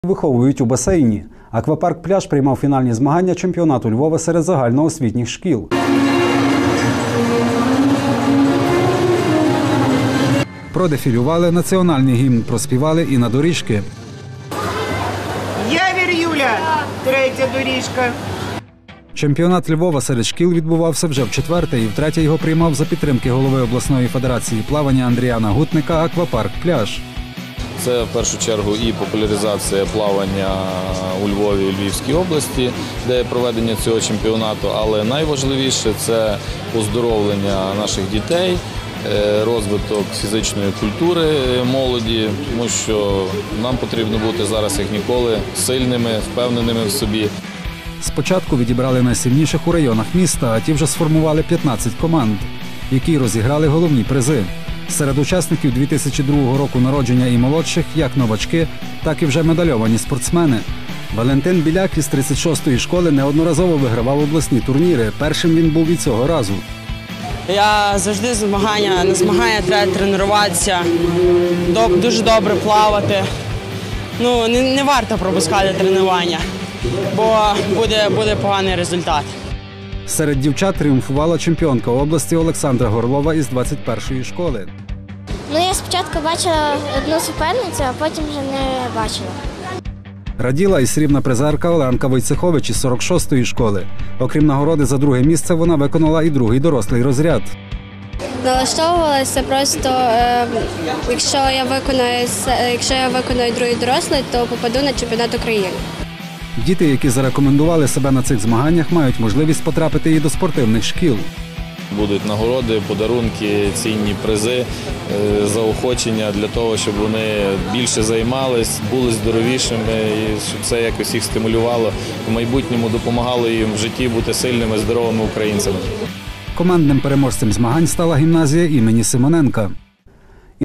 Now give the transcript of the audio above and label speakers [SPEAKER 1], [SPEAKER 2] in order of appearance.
[SPEAKER 1] Виховують у басейні. Аквапарк «Пляж» приймав фінальні змагання чемпіонату Львова серед загальноосвітніх шкіл. Продефілювали, національний гімн проспівали і на доріжки.
[SPEAKER 2] Явір Юля, третя доріжка.
[SPEAKER 1] Чемпіонат Львова серед шкіл відбувався вже вчетверте, і втретє його приймав за підтримки голови обласної федерації плавання Андріана Гутника аквапарк «Пляж».
[SPEAKER 3] Це в першу чергу і популяризація плавання у Львові і Львівській області, де є проведення цього чемпіонату, але найважливіше – це оздоровлення наших дітей, розвиток фізичної культури молоді, тому що нам потрібно бути зараз як ніколи сильними, впевненими в собі.
[SPEAKER 1] Спочатку відібрали найсильніших у районах міста, а ті вже сформували 15 команд, які розіграли головні призи. Серед учасників 2002 року народження і молодших як новачки, так і вже медальовані спортсмени. Валентин Біляк із 36-ї школи неодноразово вигравав обласні турніри. Першим він був і цього разу.
[SPEAKER 4] Я завжди на змагання треба тренуватися, дуже добре плавати. Не варто пропускати тренування, бо буде поганий результат.
[SPEAKER 1] Серед дівчат тріумфувала чемпіонка області Олександра Горлова із 21-ї школи.
[SPEAKER 5] Я спочатку бачила одну суперницю, а потім вже не бачила.
[SPEAKER 1] Раділа і срібна призерка Оленка Войцехович із 46-ї школи. Окрім нагороди за друге місце, вона виконала і другий дорослий розряд.
[SPEAKER 5] Налаштовувалася просто, якщо я виконую другий дорослий, то попаду на чемпіонат України.
[SPEAKER 1] Діти, які зарекомендували себе на цих змаганнях, мають можливість потрапити і до спортивних шкіл.
[SPEAKER 3] Будуть нагороди, подарунки, цінні призи, заохочення для того, щоб вони більше займались, були здоровішими і щоб це якось їх стимулювало, в майбутньому допомагало їм в житті бути сильними, здоровими українцями.
[SPEAKER 1] Командним переможцем змагань стала гімназія імені Симоненка.